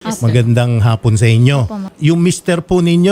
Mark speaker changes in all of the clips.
Speaker 1: Yes, sir.
Speaker 2: Magandang hapon sa inyo.
Speaker 3: Opo, ma'am.
Speaker 2: Yung mister po ninyo,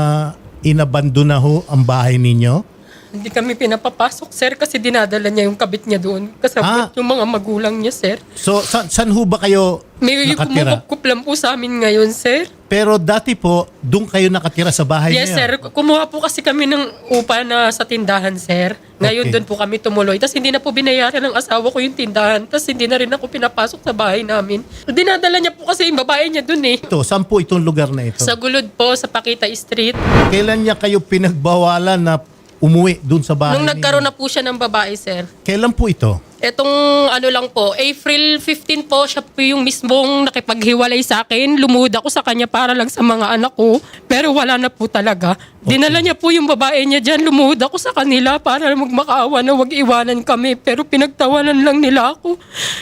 Speaker 2: inabandon na ho ang bahay ninyo?
Speaker 1: Hindi kami pinapapasok, sir, kasi dinadala niya yung kabit niya doon. Kasabot yung mga magulang niya, sir.
Speaker 2: So, saan ho ba kayo
Speaker 1: May
Speaker 2: nakatira?
Speaker 1: kumukup lang po sa amin ngayon, sir.
Speaker 2: Pero dati po, doon kayo nakatira sa bahay
Speaker 1: Yes,
Speaker 2: niya?
Speaker 1: sir. Kumuha po kasi kami ng upa na sa tindahan, sir. Ngayon
Speaker 2: Okay.
Speaker 1: doon po kami tumuloy. Tapos hindi na po binayaran ng asawa ko yung tindahan. Tapos hindi na rin ako pinapasok sa bahay namin. Dinadala niya po kasi yung babae niya doon eh.
Speaker 2: Ito, saan po itong lugar na ito?
Speaker 1: Sa Gulod po, sa Pakita Street.
Speaker 2: Kailan niya kayo pinagbawalan na umuwi doon sa bahay
Speaker 1: Nung
Speaker 2: ninyo?
Speaker 1: nagkaroon na po siya ng babae, sir.
Speaker 2: Kailan po ito?
Speaker 1: Etong ano lang po, April 15 po, siya po yung mismong nakipaghiwalay sa akin. Lumuhod ako sa kanya para lang sa mga anak ko. Pero wala na po talaga. Dinala niya po yung babae niya dyan. Lumuhod ako sa kanila para magmakaawa na wag iwanan kami. Pero pinagtawanan lang nila ako.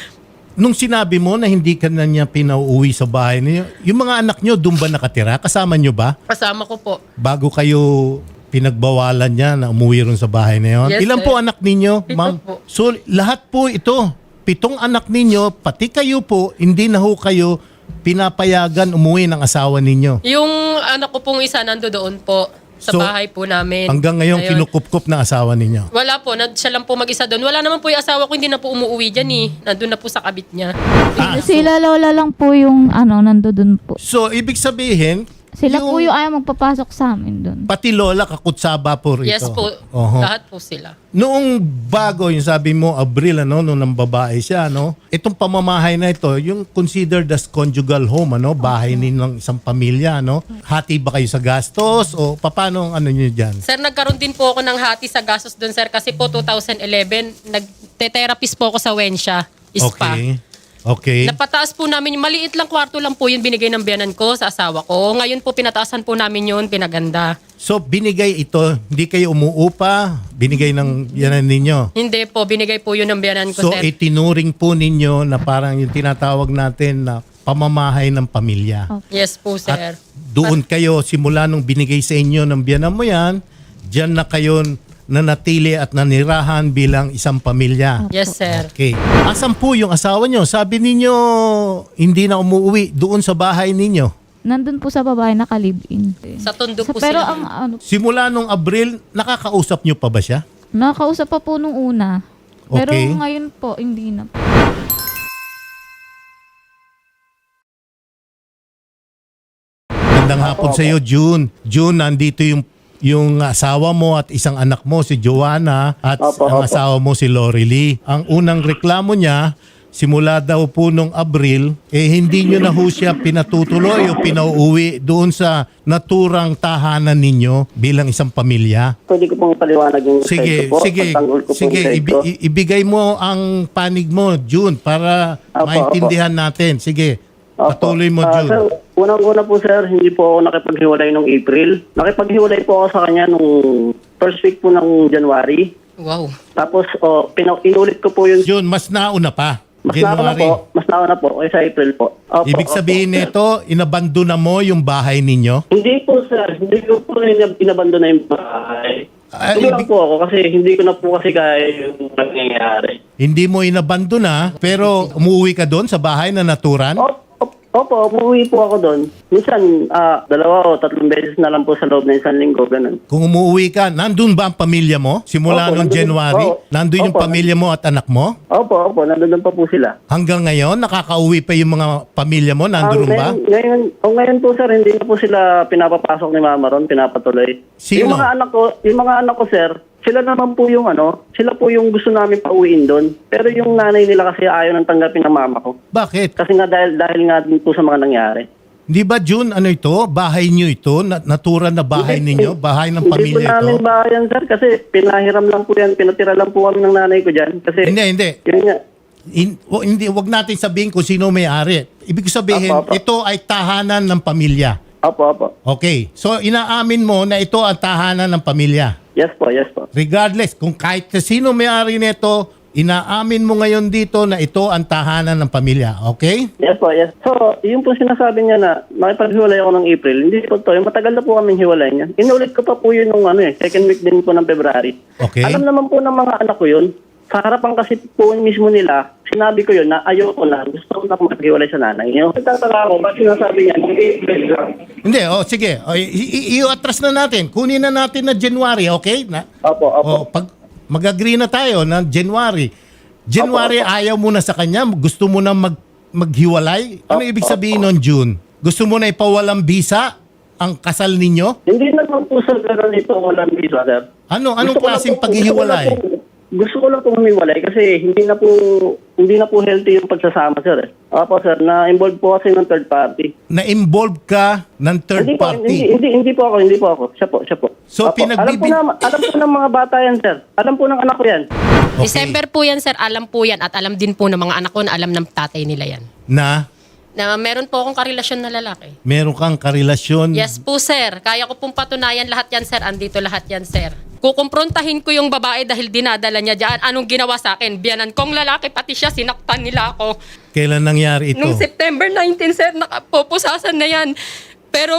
Speaker 2: Nung sinabi mo na hindi ka na niya pinauwi sa bahay niyo, yung mga anak niyo doon ba nakatira? Kasama niyo ba?
Speaker 1: Kasama ko po.
Speaker 2: Bago kayo pinagbawalan niya na umuwi ron sa bahay na yun?
Speaker 1: Yes,
Speaker 2: Ilan
Speaker 1: sir.
Speaker 2: po anak ninyo,
Speaker 1: 7
Speaker 2: ma'am?
Speaker 1: po.
Speaker 2: So, lahat po ito, 7 anak ninyo, pati kayo po, hindi na ho kayo pinapayagan umuwi ng asawa ninyo.
Speaker 1: Yung anak ko pong isa nando doon po. Sa
Speaker 2: So,
Speaker 1: bahay po namin.
Speaker 2: Hanggang ngayon, kinukupkup ng asawa ninyo.
Speaker 1: Wala po, siya lang po mag-isa doon. Wala naman po yung asawa ko, hindi na po umuwi dyan eh. Nandun na po sa kabit niya.
Speaker 3: Sila lola lang po yung nandoon po.
Speaker 2: So, ibig sabihin,
Speaker 3: Sila po yung ayaw magpapasok sa amin doon.
Speaker 2: pati lola kakutsaba po rito.
Speaker 1: Yes po,
Speaker 2: Oho.
Speaker 1: lahat po sila.
Speaker 2: Noong bago, yung sabi mo, Abril, nung nang babae siya, itong pamamahay na ito, yung considered as conjugal home, bahay ng isang pamilya, hati ba kayo sa gastos o paano ang nyo dyan?
Speaker 1: Sir, nagkaroon din po ako ng hati sa gastos doon, sir. Kasi po 2011, nagte-therapist po ako sa Wensha, Spa.
Speaker 2: Okay.
Speaker 1: Napataas po namin, maliit lang kwarto lang po yun binigay ng biyanan ko sa asawa ko. Ngayon po pinataasan po namin yun, pinaganda.
Speaker 2: So, binigay ito, hindi kayo umuupa, binigay ng yanan ninyo.
Speaker 1: Hindi po, binigay po yun ng biyanan ko,
Speaker 2: So,
Speaker 1: sir.
Speaker 2: itinuring po ninyo na parang yung tinatawag natin na pamamahay ng pamilya.
Speaker 1: Yes po, sir.
Speaker 2: At doon kayo, simula nung binigay sa inyo ng biyanan mo yan, dyan na kayo nanatili at nanirahan bilang isang pamilya.
Speaker 1: Yes, sir.
Speaker 2: Okay. Asan po yung asawa nyo? Sabi ninyo, hindi na umuwi doon sa bahay ninyo.
Speaker 3: Nandun po sa babae nakalive-in.
Speaker 1: Sa Tondo po
Speaker 3: Pero
Speaker 1: sila.
Speaker 3: ang
Speaker 2: Simula nung Abril, nakakausap nyo pa ba siya?
Speaker 3: nakakausap pa po nung una. Pero
Speaker 2: Okay.
Speaker 3: ngayon po, hindi na po.
Speaker 2: Magandang hapon sa iyo, June. June, nandito yung asawa mo at isang anak mo, si Joanna, at ang asawa mo, si Lori Lee. Ang unang reklamo niya, simula daw po nung Abril, hindi nyo na ho siya pinatutuloy o pinauuwi doon sa naturang tahanan ninyo bilang isang pamilya.
Speaker 4: Pwede ko pong paliwanag yung
Speaker 2: Sige,
Speaker 4: side ko po.
Speaker 2: sige,
Speaker 4: Pagtanggol ko po
Speaker 2: sige,
Speaker 4: yung side ko.
Speaker 2: ibigay mo ang panig mo, June, para
Speaker 4: Opo,
Speaker 2: maintindihan natin. Sige, patuloy mo, June.
Speaker 4: Sir, unang-una po sir, hindi po ako nakipaghiwalay nung April. Nakipaghiwalay po ako sa kanya nung first week po ng January.
Speaker 1: Wow.
Speaker 4: Tapos inulit ko po yung
Speaker 2: June, mas nauna pa.
Speaker 4: mas nauna po kaysa April po. Opo,
Speaker 2: Ibig sabihin
Speaker 4: opo, sir.
Speaker 2: nito, inabando na mo yung bahay ninyo?
Speaker 4: Hindi po sir, hindi ko po inabando na yung bahay.
Speaker 2: Ah,
Speaker 4: Hindi lang
Speaker 2: ibig-
Speaker 4: po ako kasi hindi ko na po kasi kaya yung nangyayari.
Speaker 2: Hindi mo inabando na, pero umuwi ka doon sa bahay na naturan?
Speaker 4: Opo, umuwi po ako doon. Minsan, 2 o 3 beses na lang po sa loob ng isang linggo, ganun.
Speaker 2: Kung umuwi ka, nandun ba ang pamilya mo? Simula
Speaker 4: Opo,
Speaker 2: nung
Speaker 4: nandun-
Speaker 2: January?
Speaker 4: opo.
Speaker 2: Nandun yung
Speaker 4: Opo.
Speaker 2: pamilya mo at anak mo?
Speaker 4: Opo, nandun pa po sila.
Speaker 2: Hanggang ngayon, nakakauwi pa yung mga pamilya mo? Nandun ba?
Speaker 4: Ngayon po sir, hindi na po sila pinapapasok ni Mama Ron, pinapatuloy.
Speaker 2: Sino?
Speaker 4: Yung mga anak ko sir, sila naman po yung sila po yung gusto namin pauwiin doon. Pero yung nanay nila kasi ayaw nang tanggapin ng mama ko.
Speaker 2: Bakit?
Speaker 4: Kasi nga dahil nga din po sa mga nangyari.
Speaker 2: Di ba, June, ano ito? Bahay nyo ito? Naturan na bahay ninyo? Bahay ng
Speaker 4: Hindi po
Speaker 2: pamilya
Speaker 4: namin
Speaker 2: ito?
Speaker 4: bayan sir kasi pinahiram lang po yan, pinatira lang po kami ng nanay ko dyan. Kasi
Speaker 2: Hindi.
Speaker 4: yun nga.
Speaker 2: Hindi, wag natin sabihin kung sino may-ari. Ibig sabihin,
Speaker 4: Apo.
Speaker 2: ito ay tahanan ng pamilya.
Speaker 4: Opo.
Speaker 2: Okay. So, inaamin mo na ito ang tahanan ng pamilya.
Speaker 4: Yes po.
Speaker 2: Regardless, kung kahit sino may-ari nito, inaamin mo ngayon dito na ito ang tahanan ng pamilya. Okay?
Speaker 4: Yes po. So, yung po sinasabi niya na makipaghiwalay ako ng April, hindi po to. Matagal na po kaming hiwalay niya. Inulit ko pa po yun nung second week din po ng February.
Speaker 2: Okay.
Speaker 4: Alam naman po ng mga anak ko yun. Sa harapan kasi po mismo nila, sinabi ko yun na ayoko na, gusto ko na maghiwalay sa nanay niyo. Nagtataka ako, ba't sinasabi niya,
Speaker 2: Hindi, sige. I-atras na natin. Kunin na natin na January, okay?
Speaker 4: Opo.
Speaker 2: Pag mag-agree na tayo na January. January, ayaw mo na sa kanya? Gusto mo na maghiwalay? Ano ibig sabihin nun, June? Gusto mo na ipawalang visa ang kasal ninyo?
Speaker 4: Hindi naman po sir, pero ito walang visa, sir.
Speaker 2: Anong klaseng paghihiwalay?
Speaker 4: Gusto ko lang po humiwalay kasi hindi na po healthy yung pagsasama, sir. Opo, sir, na-involve po kasi ng third party.
Speaker 2: Na-involve ka ng third party?
Speaker 4: Hindi po ako. Siya po.
Speaker 2: So,
Speaker 4: Opo. Alam po ng mga bata yan, sir. Alam po ng anak ko yan.
Speaker 2: Okay.
Speaker 1: December po yan, sir. Alam po yan. At alam din po ng mga anak ko na alam ng tatay nila yan.
Speaker 2: Na
Speaker 1: Meron po akong karelasyon na lalaki.
Speaker 2: meron kang karelasyon?
Speaker 1: Yes po, sir. Kaya ko pong patunayan lahat yan, sir. Andito lahat yan, sir. Kukumprontahin ko yung babae dahil dinadala niya dyan. Anong ginawa sa akin? Biyanan kong lalaki, pati siya, sinaktan nila ako.
Speaker 2: Kailan nangyari ito?
Speaker 1: Nung September 19, sir, nakapupusasan na yan. Pero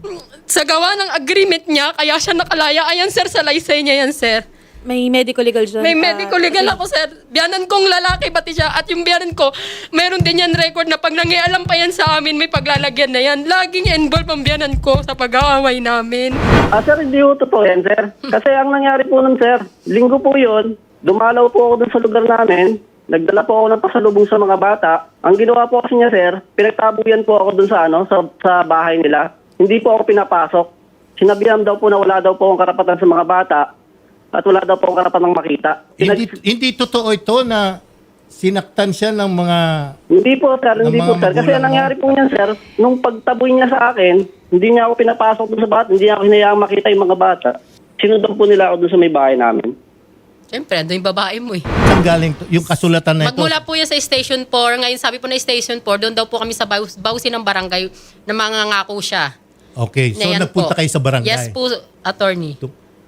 Speaker 1: sa gawa ng agreement niya, kaya siya nakalaya. Ayan, sir, sa laysay niya yan, sir.
Speaker 5: May medical legal dyan.
Speaker 1: May medical legal ako, sir. Biyanan kong lalaki, pati siya. At yung biyanan ko, meron din yan record na pag nangialam pa yan sa amin, may paglalagyan na yan. Laging involved ang biyanan ko sa pag-aaway namin.
Speaker 4: Sir, hindi po totoo yan, sir. Kasi ang nangyari po nun, sir, linggo po yun, dumalaw po ako dun sa lugar namin, nagdala po ako ng pasalubong sa mga bata. Ang ginawa po kasi niya, sir, pinagtabuyan po ako dun sa, sa bahay nila. Hindi po ako pinapasok. Sinabihan daw po na wala daw po akong karapatan sa mga bata at wala daw po akong karapatan makita.
Speaker 2: Hindi totoo ito na sinaktan siya ng mga...
Speaker 4: Hindi po, sir. Hindi
Speaker 2: ng
Speaker 4: po,
Speaker 2: mga
Speaker 4: sir. Kasi
Speaker 2: magulang
Speaker 4: ang
Speaker 2: mo?
Speaker 4: nangyari po niyan, sir, nung pagtaboy niya sa akin, hindi niya ako pinapasok dun sa bata, hindi niya ako hinayaang makita yung mga bata. Sinundan po nila ako dun sa may bahay namin.
Speaker 1: Siyempre, ando yung babae mo eh.
Speaker 2: Saan galing yung kasulatan na ito?
Speaker 1: Magmula po yan sa Station 4. Ngayon sabi po na Station 4, doon daw po kami sa bawsi ng barangay na mangangako siya.
Speaker 2: Okay, so
Speaker 1: Na yan
Speaker 2: nagpunta
Speaker 1: po.
Speaker 2: kayo sa barangay.
Speaker 1: Yes po, attorney.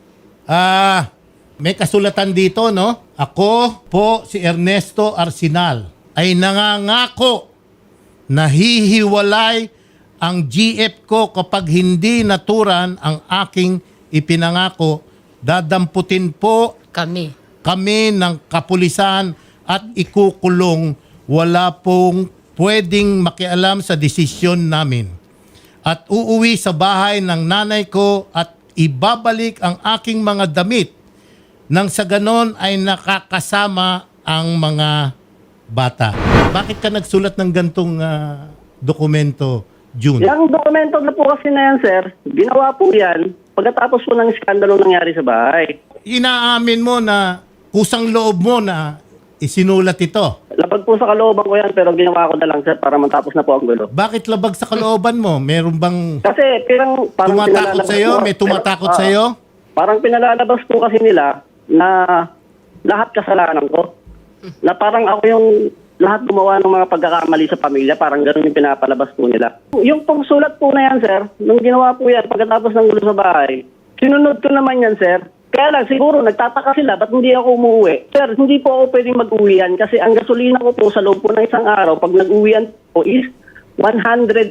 Speaker 2: May kasulatan dito, no? Ako po si Ernesto Arsenal ay nangangako na hihiwalay ang GF ko kapag hindi naturan ang aking ipinangako. Dadamputin po kami ng kapulisan at ikukulong. Wala pong pwedeng makialam sa desisyon namin. At uuwi sa bahay ng nanay ko at ibabalik ang aking mga damit nang sa ganon ay nakakasama ang mga bata. Bakit ka nagsulat ng gantong dokumento, June?
Speaker 4: Yung dokumento na po kasi na yan, sir, ginawa po yan pagkatapos po ng iskandalo nangyari sa bahay.
Speaker 2: Inaamin mo na kusang loob mo na isinulat ito.
Speaker 4: Labag po sa kalooban ko yan, pero ginawa ko na lang, sir, para matapos na po ang gulo.
Speaker 2: Bakit labag sa kalooban mo? Meron bang
Speaker 4: Kasi parang
Speaker 2: tumatakot
Speaker 4: pinalalabas
Speaker 2: sa'yo?
Speaker 4: po-
Speaker 2: May tumatakot
Speaker 4: pero,
Speaker 2: sa'yo?
Speaker 4: Parang pinalalabas po kasi nila na lahat kasalanan ko. Na parang ako yung lahat gumawa ng mga pagkakamali sa pamilya, parang gano'n yung pinapalabas po nila. Yung pong sulat po na yan, sir, nung ginawa po yan pagkatapos ng gulo sa bahay, sinunod ko naman yan, sir. Kaya lang, siguro, nagtataka sila, ba't hindi ako umuwi? Sir, hindi po ako pwedeng mag-uwian kasi ang gasolina ko po sa loob po ng isang araw, pag nag-uwian po is 180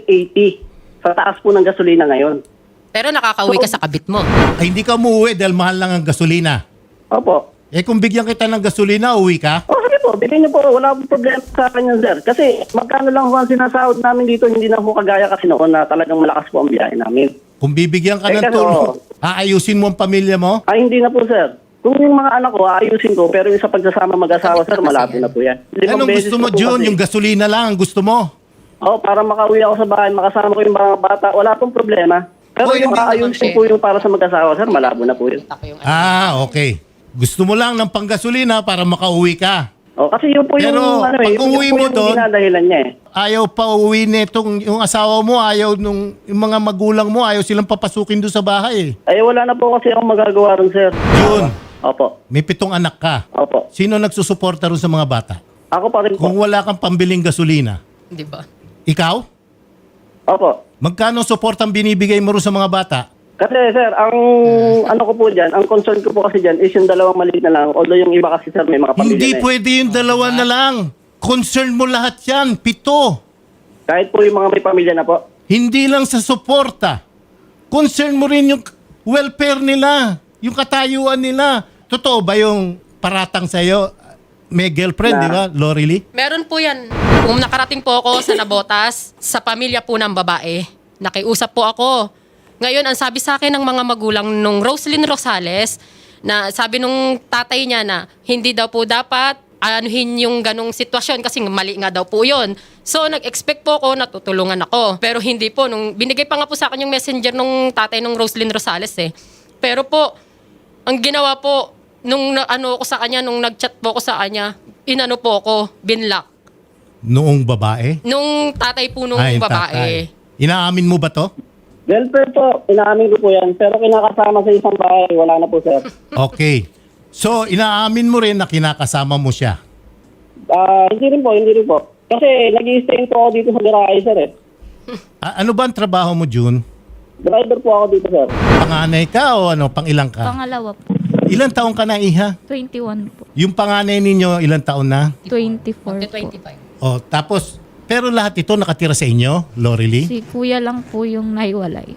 Speaker 4: sa taas po ng gasolina ngayon.
Speaker 1: Pero nakakauwi ka sa kabit mo.
Speaker 2: Ay, hindi ka umuwi dahil mahal lang ang gasolina.
Speaker 4: Opo.
Speaker 2: Eh kung bigyan kita ng gasolina, uwi ka?
Speaker 4: Sige po, bilhin niyo po. Wala pong problema sa akin yan, sir. Kasi magkano lang po ang sinasahod namin dito, hindi na po kagaya kasi noon na talagang malakas po ang biyahe namin.
Speaker 2: Kung bibigyan ka
Speaker 4: Eh,
Speaker 2: ng
Speaker 4: kasi,
Speaker 2: tulong, aayusin mo ang pamilya mo?
Speaker 4: Ay, hindi na po, sir. Kung yung mga anak ko, aayusin ko. Pero yung sa pagsasama mag-asawa, sir, malabo na po yan.
Speaker 2: Anong gusto mo, June? Yung gasolina lang ang gusto mo?
Speaker 4: Para makauwi ako sa bahay, makasama ko yung mga bata, wala pong problema. Pero
Speaker 2: Oh,
Speaker 4: yung
Speaker 2: hindi
Speaker 4: aayusin po yung para sa mag-asawa, sir, malabo na po yun.
Speaker 2: Okay. Gusto mo lang ng panggasolina para makauwi ka.
Speaker 4: Kasi yun po
Speaker 2: Pero,
Speaker 4: yung,
Speaker 2: pag
Speaker 4: yun
Speaker 2: uwi
Speaker 4: po
Speaker 2: mo
Speaker 4: yung
Speaker 2: doon,
Speaker 4: dinadahilan niya eh.
Speaker 2: Ayaw pa uwi nitong yung asawa mo, ayaw nung yung mga magulang mo, ayaw silang papasukin doon sa bahay.
Speaker 4: Wala na po kasi akong magagawa ron, sir.
Speaker 2: June,
Speaker 4: Opo.
Speaker 2: may 7 anak ka.
Speaker 4: Opo.
Speaker 2: Sino nagsusuporta ron sa mga bata?
Speaker 4: Ako pa rin po.
Speaker 2: Kung wala kang pambiling gasolina,
Speaker 1: Di ba?
Speaker 2: ikaw?
Speaker 4: Opo.
Speaker 2: Magkano support ang binibigay mo ron sa mga bata?
Speaker 4: Kasi sir, ang ano ko po dyan, ang concern ko po kasi dyan is yung dalawang maliit na lang. Although yung iba kasi sir, may mga pamilya
Speaker 2: Hindi
Speaker 4: na eh.
Speaker 2: pwede yung dalawa na lang. Concern mo lahat yan. 7.
Speaker 4: Kahit po yung mga may pamilya na po.
Speaker 2: Hindi lang sa suporta. Concern mo rin yung welfare nila, yung katayuan nila. Totoo ba yung paratang sa'yo, may girlfriend, di ba, Lorely?
Speaker 1: Meron po yan. Kung nakarating po ako sa Nabotas, sa pamilya po ng babae, nakiusap po ako. Ngayon, ang sabi sa akin ng mga magulang nung Roslyn Rosales, na sabi nung tatay niya na hindi daw po dapat anuhin yung ganong sitwasyon kasi mali nga daw po yun. So, nag-expect po ako na tutulungan ako. Pero hindi po. Nung binigay pa nga po sa akin yung messenger nung tatay nung Roslyn Rosales eh. Pero po, ang ginawa po, nung ano ko sa kanya, nung nag-chat po ko sa kanya, inano po ako, binlock.
Speaker 2: Noong babae?
Speaker 1: Nung tatay po nung
Speaker 2: Yung
Speaker 1: babae.
Speaker 2: tatay. Inaamin mo ba to?
Speaker 4: Girlfriend po, inaamin ko po yan. Pero kinakasama sa isang bahay, wala na po, sir.
Speaker 2: Okay. So, inaamin mo rin na kinakasama mo siya.
Speaker 4: Hindi rin po. Kasi nag-i-stay po ako dito sa garahe, sir eh.
Speaker 2: Ano ba ang trabaho mo, June?
Speaker 4: Driver po ako dito, sir.
Speaker 2: Panganay ka o ano, pangilang ka?
Speaker 3: Pangalawa po.
Speaker 2: Ilang taong ka na, Iha?
Speaker 3: 21 po.
Speaker 2: Yung panganay ninyo, ilang taon na?
Speaker 3: 24 po.
Speaker 1: 25.
Speaker 2: O, tapos, pero lahat ito nakatira sa inyo, Lorely?
Speaker 3: Si kuya lang po yung naiwalay.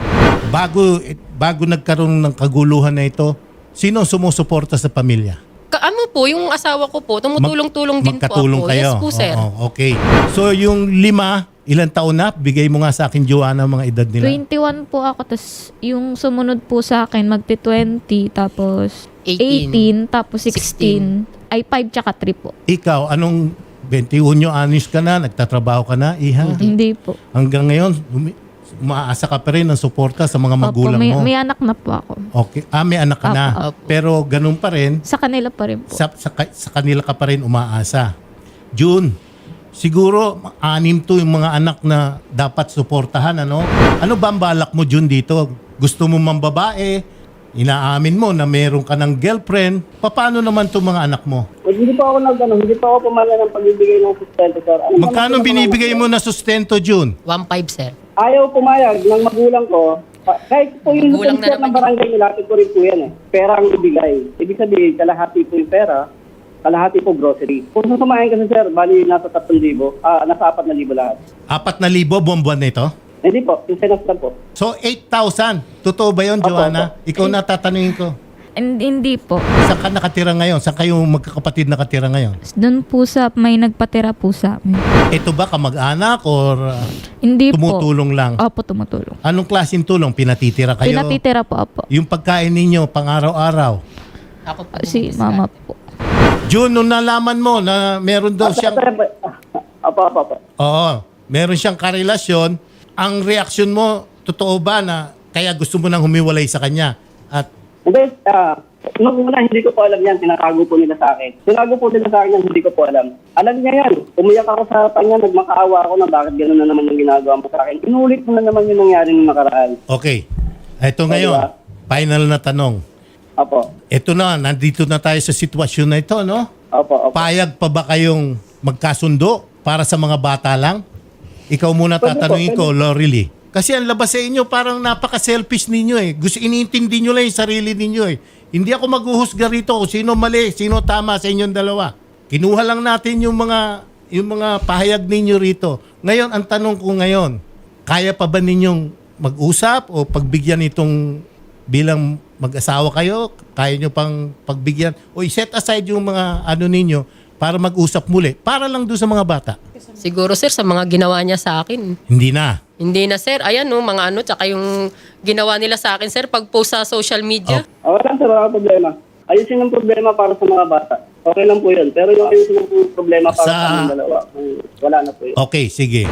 Speaker 2: Bago nagkaroon ng kaguluhan na ito, sino ang sumusuporta sa pamilya?
Speaker 1: Ano po, yung asawa ko po, tumutulong-tulong din po
Speaker 2: Magkatulong
Speaker 1: ako.
Speaker 2: kayo?
Speaker 1: Yes po, sir.
Speaker 2: Oo, okay. So, yung 5, ilang taon na? Bigay mo nga sa akin, Joanna, mga edad nila.
Speaker 3: 21 po ako, tapos yung sumunod po sa akin, magti-20, tapos
Speaker 1: 18,
Speaker 3: 18, tapos 16. Ay, 5 tsaka 3 po.
Speaker 2: Ikaw, anong 21 anos ka na? Nagtatrabaho ka na, Iha?
Speaker 3: Hindi po.
Speaker 2: Hanggang ngayon, umaasa ka pa rin ng suporta sa mga magulang
Speaker 3: Opo,
Speaker 2: mo.
Speaker 3: may anak na po ako.
Speaker 2: Okay. May anak ka na.
Speaker 1: Opo.
Speaker 2: Pero ganun pa rin,
Speaker 3: Sa kanila pa rin po.
Speaker 2: sa kanila ka pa rin umaasa. June, siguro 6 to yung mga anak na dapat suportahan. Ano ba ang balak mo, June, dito? Gusto mo mang babae? Inaamin mo na meron ka ng girlfriend. Paano naman itong mga anak mo?
Speaker 4: Hindi pa ako pumala ng pagbibigay ng sustento, sir.
Speaker 2: Magkano binibigay mo na sustento, June?
Speaker 1: 1.5, sir.
Speaker 4: Ayaw pumayag ng magulang ko. Kahit po yung
Speaker 1: Magulang na
Speaker 4: sir
Speaker 1: naman
Speaker 4: ng barangay nilapit ko rin po yan eh. Pera ang ibigay. Ibig sabihin, kalahati po yung pera, kalahati po grocery. Kung susumayan kasi, sir, bali nasa 3,000, nasa 4,000 lahat.
Speaker 2: 4,000 buwan-buwan na ito?
Speaker 4: Hindi po, yung sinas lang po.
Speaker 2: So, 8,000. Totoo ba yun,
Speaker 4: Opo,
Speaker 2: Joanna? Ikaw na tatanungin ko.
Speaker 3: Hindi po.
Speaker 2: Saan ka nakatira ngayon? Saan kayo magkakapatid nakatira ngayon?
Speaker 3: Doon po may nagpatira po sa amin.
Speaker 2: Ito ba kamag-anak or
Speaker 3: Hindi
Speaker 2: tumutulong lang?
Speaker 3: po. Opo, tumutulong.
Speaker 2: Anong klaseng tulong? Pinatitira kayo?
Speaker 3: Pinatitira po, opo.
Speaker 2: Yung pagkain ninyo, pang-araw-araw?
Speaker 1: Ako po.
Speaker 3: Si mama po.
Speaker 2: June, nung nalaman mo na meron daw siyang...
Speaker 4: Apo.
Speaker 2: Oo, meron siyang karelasyon, ang reaksyon mo, totoo ba na kaya gusto mo nang humiwalay sa kanya? At
Speaker 4: Hindi, nung una, hindi ko po alam yan. Tinatago po nila sa akin. Tinago po nila sa akin yan, hindi ko po alam. Alam niya yan. Umiyak ako sa kanya, nagmakaawa ako na bakit gano'n na naman yung ginagawa mo sa akin. Inulit mo na naman yung nangyari nung nakaraan.
Speaker 2: okay, ito ngayon,
Speaker 4: Diba?
Speaker 2: final na tanong.
Speaker 4: Apo.
Speaker 2: Ito na, nandito na tayo sa sitwasyon na ito, no?
Speaker 4: Opo.
Speaker 2: Payag pa ba kayong magkasundo para sa mga bata lang? Ikaw muna tatanungin ko, Lorely. Kasi ang labas sa inyo, parang napaka-selfish ninyo eh. Gusto iniintindi nyo lang yung sarili ninyo eh. Hindi ako maghuhusga rito kung sino mali, sino tama sa inyong dalawa. Kinuha lang natin yung mga pahayag ninyo rito. Ngayon, ang tanong ko ngayon, kaya pa ba ninyong mag-usap o pagbigyan itong bilang mag-asawa kayo? Kaya nyo pang pagbigyan? O i-set aside yung mga ano ninyo para mag-usap muli? Para lang doon sa mga bata.
Speaker 1: Siguro, sir, sa mga ginawa niya sa akin.
Speaker 2: Hindi na.
Speaker 1: Hindi na, sir. Ayan, no, mga ano, tsaka yung ginawa nila sa akin, sir, pag-post sa social media.
Speaker 4: Wala sir, wala problema. Ayusin ang problema para sa mga bata. Okay lang po yun. Pero yung ayusin ang problema para sa aming dalawa, wala na po yun.
Speaker 2: Okay, sige.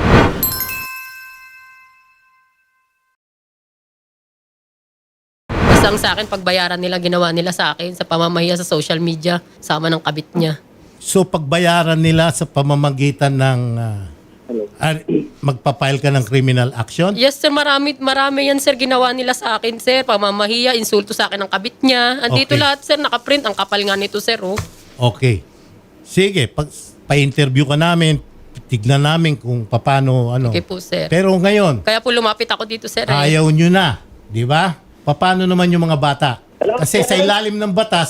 Speaker 1: Basta ang sa akin, pagbayaran nila, ginawa nila sa akin sa pamamahiya sa social media, sama ng kabit niya.
Speaker 2: So pagbayaran nila sa pamamagitan ng magpapile ka ng criminal action?
Speaker 1: Yes, sir, marami yan, sir, ginawa nila sa akin, sir. Pamamahiya, insulto sa akin ng kabit niya. Andito
Speaker 2: Okay.
Speaker 1: lahat, sir, nakaprint. Ang kapal nga nito, sir, oh.
Speaker 2: Okay. Sige, pa-interview ka namin, tignan namin kung paano ano.
Speaker 1: Okay po, sir.
Speaker 2: Pero ngayon,
Speaker 1: Kaya po lumapit ako dito, sir. Eh.
Speaker 2: ayaw nyo na, di ba? Paano naman yung mga bata? Kasi sa ilalim ng batas,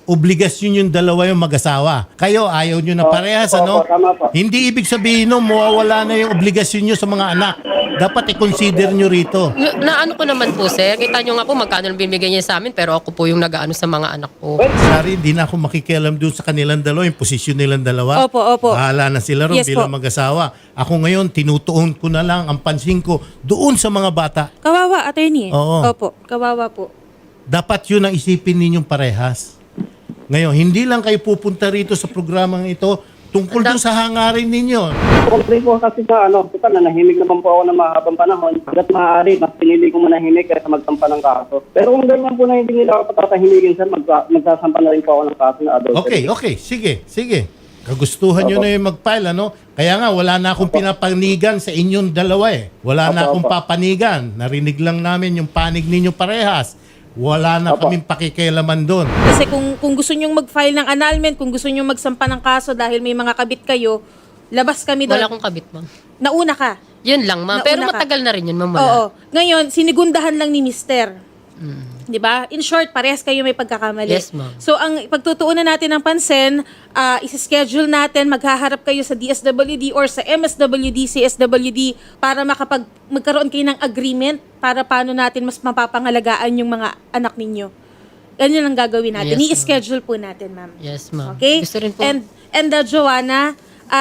Speaker 2: obligasyon yung dalawa yung mag-asawa. Kayo, ayaw nyo na parehas, ano?
Speaker 4: Opo, tama po.
Speaker 2: Hindi ibig sabihin no, mawawala na yung obligasyon nyo sa mga anak. Dapat i-consider nyo rito.
Speaker 1: Na ano ko naman po, sir. Kita nyo nga po magkano lang binibigay niya sa amin, pero ako po yung nag-ano sa mga anak ko.
Speaker 2: Sorry, hindi na ako makikialam doon sa kanilang dalawa, yung posisyon nilang dalawa.
Speaker 5: Opo, opo.
Speaker 2: Bahala na sila ron
Speaker 5: Yes
Speaker 2: bilang
Speaker 5: po.
Speaker 2: mag-asawa. Ako ngayon, tinutuon ko na lang ang pansin ko doon sa mga bata.
Speaker 5: Kawawa, attorney.
Speaker 2: Oo.
Speaker 5: Opo, kawawa po.
Speaker 2: Dapat yun ang isipin ninyong parehas. Ngayon, hindi lang kayo pupunta rito sa programang ito tungkol doon sa hangarin ninyo.
Speaker 4: Complain po kasi sa total na nahimik naman po ako ng mahabang panahon. Hanggat maaari, mas pinili ko manahimik kaysa magsampa ng kaso. Pero kung ganyan po na hindi nila ako patatahimikin, sir, magsasampa na rin po ako ng kaso na adultery.
Speaker 2: Okay. Sige. Kagustuhan nyo na yung mag-file, ano? Kaya nga, wala na akong pinapanigan sa inyong dalawa eh. Wala na akong papanigan. Narinig lang namin yung panig ninyo parehas. Wala na kaming pakikialaman doon.
Speaker 5: Kasi kung gusto nyong mag-file ng annulment, kung gusto nyong magsampa ng kaso dahil may mga kabit kayo, labas kami doon.
Speaker 1: Wala akong kabit, ma'am.
Speaker 5: Nauna ka.
Speaker 1: Yun lang, ma'am. Pero
Speaker 5: Nauna ka.
Speaker 1: matagal na rin yun, ma'am. Wala.
Speaker 5: Oo. Ngayon, sinigundahan lang ni Mister. 'Di ba? In short, parehas kayo may pagkakamali.
Speaker 1: Yes, ma'am.
Speaker 5: So ang pagtutuunan natin ng pansin, isi-schedule natin, maghaharap kayo sa DSWD or sa MSWD, CSWD para magkaroon kayo ng agreement para paano natin mas mapapangalagaan yung mga anak ninyo. Ganyan ang gagawin natin.
Speaker 1: Yes,
Speaker 5: I-schedule po natin, ma'am.
Speaker 1: Yes, ma'am.
Speaker 5: Okay?
Speaker 1: Gusto rin po.
Speaker 5: And Joanna,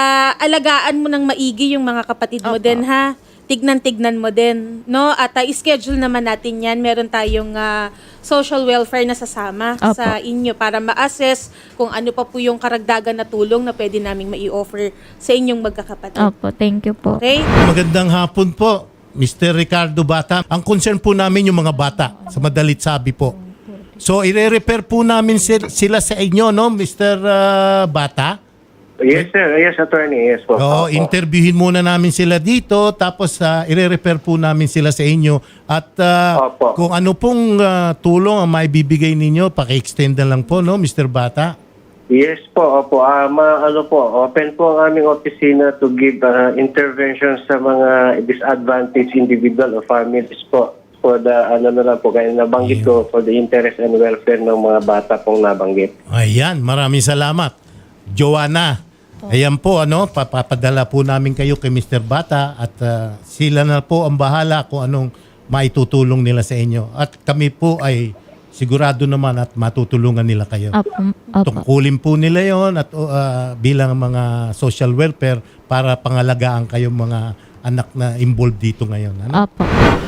Speaker 5: alagaan mo ng maigi yung mga kapatid mo din, ha? Tignan mo din, no? At i-schedule naman natin yan. Meron tayong social welfare na sasama
Speaker 3: Opo.
Speaker 5: sa inyo para ma-assess kung ano pa po yung karagdagan na tulong na pwede naming mai-offer sa inyong magkakapatid.
Speaker 3: Opo, thank you po.
Speaker 5: Okay?
Speaker 2: Magandang hapon po, Mr. Ricardo Bata. Ang concern po namin yung mga bata, sa madalit sabi po. So, ire-refer po namin sila sa inyo, no, Mr. Bata?
Speaker 6: Yes, sir. Yes, attorney. Yes po.
Speaker 2: Oo,
Speaker 6: Opo.
Speaker 2: interviewin muna namin sila dito, tapos ire-refer po namin sila sa inyo. At
Speaker 6: Opo.
Speaker 2: kung ano pong tulong ang maibibigay ninyo, paki-extend na lang po, no, Mr. Bata?
Speaker 6: Yes po. Opo. Open po ang aming opisina to give intervention sa mga disadvantaged individual o families po. For the, kaya nabanggit ko, for the interest and welfare ng mga bata pong nabanggit.
Speaker 2: Ayan, maraming salamat. Joanna, ayan po, papapadala po namin kayo kay Mr. Bata at sila na po ang bahala kung anong maitutulong nila sa inyo. At kami po ay sigurado naman at matutulungan nila kayo.
Speaker 3: Opo.
Speaker 2: Tungkulin po nila yon at bilang mga social welfare para pangalagaan kayong mga anak na involved dito ngayon. Ano?
Speaker 3: Opo.